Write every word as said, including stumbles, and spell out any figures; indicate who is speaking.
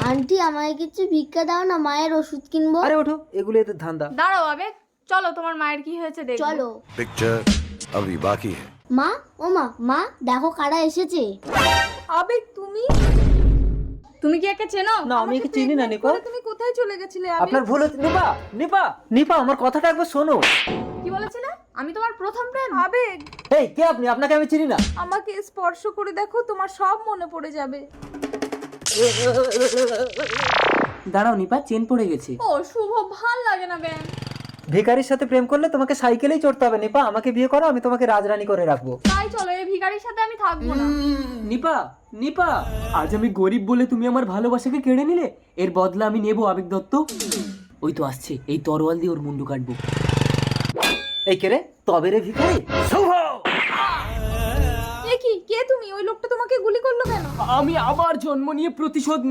Speaker 1: Aunty আমায় কিছু ভিক্ষা দাও না, মায়ের ওষুধ কিনবো।
Speaker 2: আরে ওঠো, এগুলো এদের ধান্দা।
Speaker 3: দাঁড়াও আবেগ, চলো তোমার মায়ের কি হয়েছে দেখো।
Speaker 1: চলো।
Speaker 4: पिक्चर अभी बाकी है।
Speaker 1: মা, ও মা, মা দেখো কারা এসেছে।
Speaker 3: আবেগ তুমি তুমি কি একে চেনো?
Speaker 2: না, আমি একে চিনি না নিপা।
Speaker 3: তুমি কোথায় চলে গেছিলে আবেগ?
Speaker 2: আপনার ভুল হচ্ছে। নিপা নিপা নিপা আমার কথাটা একবার শোনো।
Speaker 3: কি বলেছিলে? আমি তোমার প্রথম প্রেম? আবেগ,
Speaker 2: এই কে আপনি? আপনাকে আমি চিনি না।
Speaker 3: আমাকে স্পর্শ করে দেখো, তোমার সব মনে পড়ে যাবে।
Speaker 2: দাঁড়াও নিপা, চেন পড়ে গেছে।
Speaker 3: ও শুভ, ভাল লাগে না ব্যাং।
Speaker 2: ভিখারির সাথে প্রেম করলে তোমাকে সাইকেলেই চড়তে হবে নিপা। আমাকে বিয়ে করো, আমি তোমাকে রাজরানী করে রাখবো।
Speaker 3: তাই চলো, এই ভিখারির সাথে আমি থাকবো না।
Speaker 2: নিপা নিপা, আজ আমি গরিব বলে তুমি আমার ভালোবাসাকে কেড়ে নিলে, এর বদলা আমি নেবো আবেগ দত্ত। ওই তো আসছে, এই তরোয়াল দিয়ে ওর মুন্ডু কাটবো। এই কে রে? তবে রে ভিখারি। শুভ,
Speaker 3: এ কি, কে তুমি? ওই লোকটা তোমাকে গুলি করলো কেন?
Speaker 2: আমি আবার জন্ম নিয়ে প্রতিশোধ